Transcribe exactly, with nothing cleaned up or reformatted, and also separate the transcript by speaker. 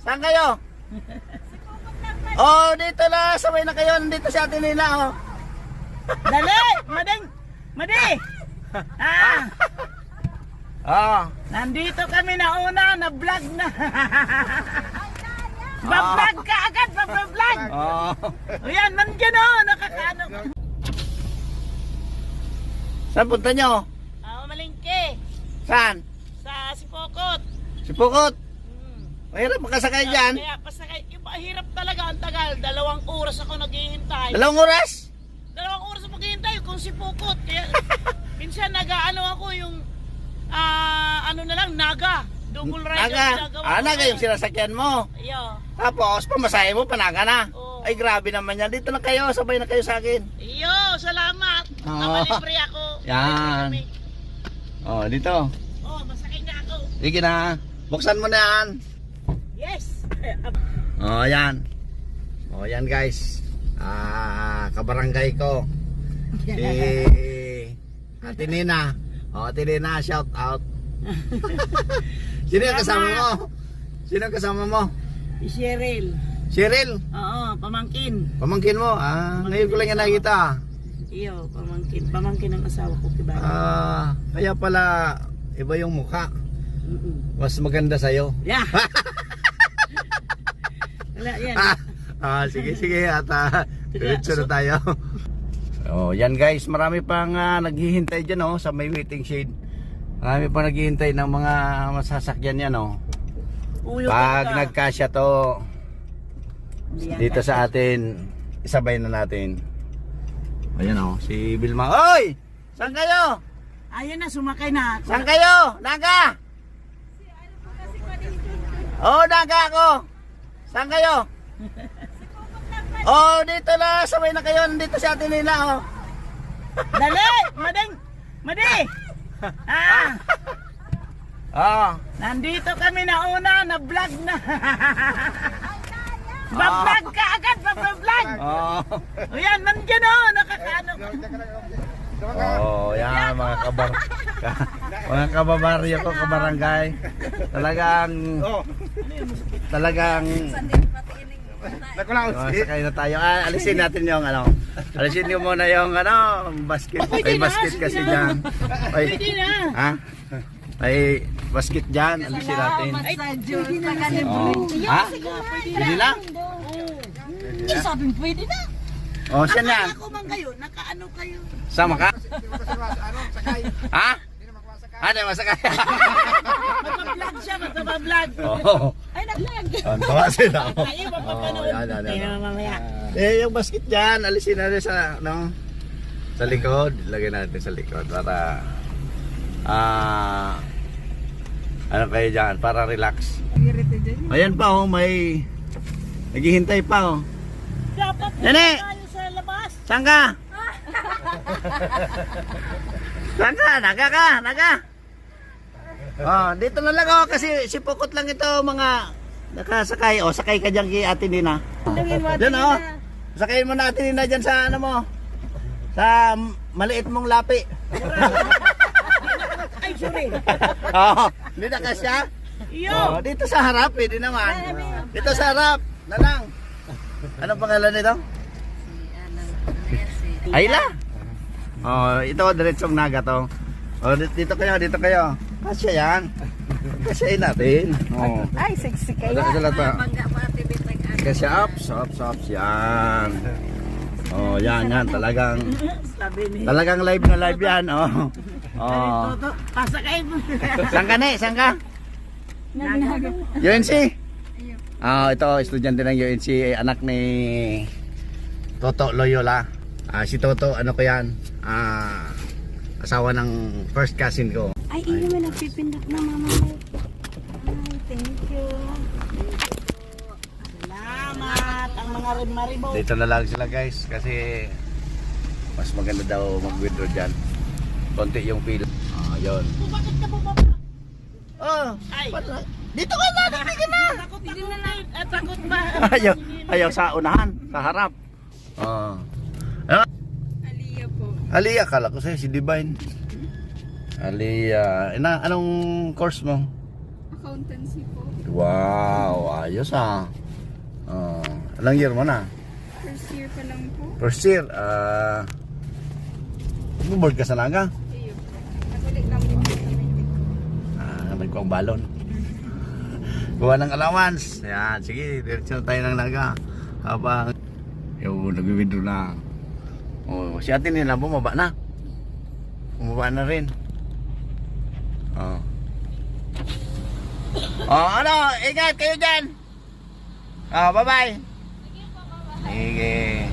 Speaker 1: Saan kayo? Oh, dito na. Sabay na kayo. Dito si Ate Nina, oh.
Speaker 2: Dali! Mading! Madi! Ah!
Speaker 1: Oh.
Speaker 2: Nandito kami na una, na-vlog na. Ba-vlog ka agad, ba-vlog!
Speaker 1: Oh.
Speaker 2: O yan, nandiyan o, nakakaano.
Speaker 1: Saan punta nyo?
Speaker 2: Ah, malingke.
Speaker 1: Saan?
Speaker 2: Sa Sipokot.
Speaker 1: Si Pukot.
Speaker 2: Hmm.
Speaker 1: Mahirap makasakay dyan.
Speaker 2: Kaya pasakay, yung mahirap talaga ang tagal. Dalawang oras ako naghihintay.
Speaker 1: Dalawang oras?
Speaker 2: Dalawang oras ako maghihintay kung Sipokot. Kaya minsan nag-ano ako yung ah, ano na lang, Naga. Double ride ang
Speaker 1: Naga.
Speaker 2: ginagawa
Speaker 1: Ah,
Speaker 2: ko
Speaker 1: Naga
Speaker 2: ngayon.
Speaker 1: yung sinasakyan mo.
Speaker 2: Iyo.
Speaker 1: Tapos, pamasahe mo, panaga na.
Speaker 2: Oo.
Speaker 1: Ay, grabe naman yan. Dito na kayo. Sabay na kayo sa akin.
Speaker 2: Iyo, salamat.
Speaker 1: Oo.
Speaker 2: Nakalibre ako.
Speaker 1: Yan.
Speaker 2: Kami.
Speaker 1: Oh, dito.
Speaker 2: Oh, masakay na ako.
Speaker 1: Sige na. Buksan mo na yan.
Speaker 2: Yes.
Speaker 1: Oh, yan. Oh, yan guys. Ah, kabarangay ko. Si Ate Nina. Oh, Ate Nina, shout out. Sino yung kasama mo? Sino yung kasama mo?
Speaker 2: Si Cheryl.
Speaker 1: Cheryl,
Speaker 2: Oo, pamangkin.
Speaker 1: pamangkin mo. Ah, ngayon ko lang yan nakikita.
Speaker 2: Iyo, pamangkin. Pamangkin ng asawa ko, kiba.
Speaker 1: Ah, kaya pala iba yung mukha.
Speaker 2: Mm-mm.
Speaker 1: Mas maganda sa'yo.
Speaker 2: Yeah. Wala yan.
Speaker 1: Ah, ah, sige, sige. At ah, diretso na tayo. Oh, yan guys. Marami pang ah, naghihintay dyan oh, sa may waiting shade. Marami pang naghihintay ng mga masasakyan yan oh.
Speaker 2: Uyo
Speaker 1: Pag
Speaker 2: ka.
Speaker 1: nagkasya to
Speaker 2: Yan,
Speaker 1: dito
Speaker 2: kasi-
Speaker 1: sa atin, isabay na natin. Ayan oh, si Vilma. Oy! Saan kayo?
Speaker 2: Ayun na, sumakay na.
Speaker 1: Saan kayo? Naga! Oh, naga ako. Saan kayo? Oh, dito na. Sabay na kayo. Dito si Ate Nina, oh.
Speaker 2: Dali! Mading! Madi! Ah!
Speaker 1: Oh.
Speaker 2: Nandito kami na una, na-vlog na. Ba-vlog ka agad, ba-vlog!
Speaker 1: Oh.
Speaker 2: O yan, nandiyan o, nakakaano.
Speaker 1: Oh, yan mga kabar mga kababaryo ko, kabarangay. Talagang talagang oh, sakay na tayo. Ah, alisin natin yung ano. Alisin niyo muna yung ano, basket. Ay, basket kasi diyan. Ay.
Speaker 2: Pwede na.
Speaker 1: Ha? Ay, basket diyan. Alisin natin.
Speaker 2: Ay, pwede na.
Speaker 1: Oh. Ha? Pwede na?
Speaker 2: Eh, sabi mo, pwede na.
Speaker 1: Oh, siya na.
Speaker 2: Ako man kayo, nakaano kayo.
Speaker 1: Sama ka? Ha? Ha, di masakay.
Speaker 2: Magpa-vlog siya, magpa-vlog.
Speaker 1: Oh.
Speaker 2: Ay, nag-vlog.
Speaker 1: Ang tawa sila.
Speaker 2: Ayaw,
Speaker 1: Oh,
Speaker 2: magpapanood.
Speaker 1: yan, yan,
Speaker 2: Ay,
Speaker 1: yan.
Speaker 2: naman mamaya.
Speaker 1: Eh, yung basket dyan, alisin natin sa, no, sa likod. Lagay natin sa likod para, ah, ano kayo dyan, para relax. Ayan pa, oh, may, naghihintay pa, oh.
Speaker 2: Dapat
Speaker 1: Nene!
Speaker 2: tayo sa labas.
Speaker 1: Saan ka? Saan ka? Naga ka? Naga? Oh, dito na lang, oh, kasi si Pukot lang ito, mga nakasakay. Oh, sakay ka dyan kay Ate Nina. Diyan, oh. Sakayin mo na Ate Nina dyan sa ano mo. Sa maliit mong lapi.
Speaker 2: Ay, sorry.
Speaker 1: Oh, hindi na kasya.
Speaker 2: Iyo.
Speaker 1: Oh, dito sa harap, pwede naman. Dito sa harap, na lang. Anong pangalan nito? Ayla. Oh, ito diretsong Naga to. Oh, dito kayo, dito kayo. Kasya yan. Kasyain natin. Oh.
Speaker 2: Ay, sexy
Speaker 1: Ada sila pa. Kasya ups, ups, ups yan. Oh, yan, yan. Talagang,
Speaker 2: Sabi ni.
Speaker 1: talagang live na live yan. Oh. Oh.
Speaker 2: Toto, pasakay mo.
Speaker 1: Saan ka, ne? Saan ka? U N C? Ah, ito, estudyante ng U N C, anak ni Toto Loyola. Ah, si Toto, ano ko yan? Ah, asawa ng first cousin ko.
Speaker 3: Ay, iyo mo nagpipindot na mama ko. Ay, thank you.
Speaker 2: Salamat ang mga rimaribo.
Speaker 1: Dito na lang sila guys kasi mas maganda daw mag-withdraw dyan. Konti yung pila. Ah, yun.
Speaker 2: Bakit ka bumaba?
Speaker 1: Oh,
Speaker 2: Ay.
Speaker 1: dito ka na, dito ka na.
Speaker 2: Takot ako na. At takot ba?
Speaker 1: Ayaw, ayaw sa unahan, sa harap. Oh. Ah,
Speaker 3: Aliyah po.
Speaker 1: Aliyah, kala ko sa'yo si Divine. Aliyah, ina, anong course mo?
Speaker 3: Accountancy po.
Speaker 1: Wow, ayos ah. Oh, ilang year mo na?
Speaker 3: First year pa lang po.
Speaker 1: First year. Ah, board ka sa naga?
Speaker 3: Iyo po. Nagulik lang din sa meeting.
Speaker 1: Ah, nagkuang balon. Kuha ng allowance. Yan, sige, diretso na tayo ng naga. Habang, yung nag-withdraw na. Oh, si ate nila bumaba na. Bumaba na rin. Oh. Oh, ano? Ingat kayo dyan. Oh, bye-bye. Sige.